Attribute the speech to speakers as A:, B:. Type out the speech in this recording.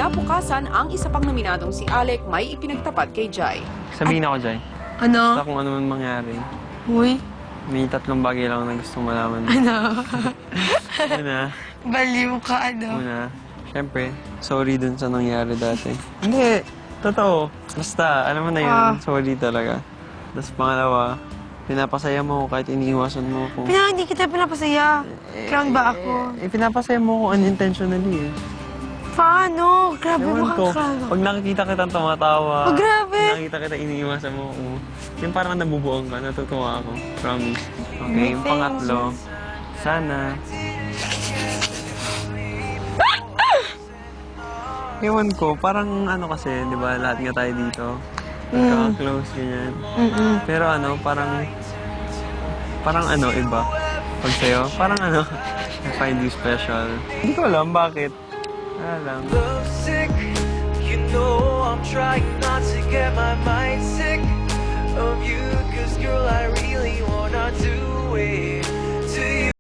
A: Kinabukasan, ang isa pang nominadong si Alec may ipinagtapat kay Jai.
B: Sabihin ako, Jai.
C: Ano?
B: Basta kung ano man mangyari.
C: Uy.
B: May 3 bagay lang na gusto malaman.
C: Ano?
B: Una,
C: Baliw ka, ano?
B: syempre, sorry dun sa nangyari dati. Hindi, totoo. Basta, alam mo na yun, sorry talaga. Tapos pangalawa, pinapasaya mo ako kahit iniiwasan mo ako.
C: Hindi kita pinapasaya. Clown ba ako?
B: Pinapasaya mo ako unintentionally eh.
C: Paano? Grabe mo
B: Ewan ko,
C: kang
B: pag nakikita kitang tumatawa,
C: Oh, grabe!
B: pag nakikita kita iniiwasan mo ako, yung parang nabubuong ka, natutuwa ako. Promise. Okay, yung pangatlo, sana... Ewan ko, parang ano kasi, di ba, lahat nga tayo dito. Nagkaka-close, ganyan. Pero ano, parang ano, iba. Pag sa'yo, parang ano, I find you special. Hindi ko alam bakit. Wala lang.
D: Sick, you know I'm trying not to get my mind sick of you, 'cause girl, I really wanna do it.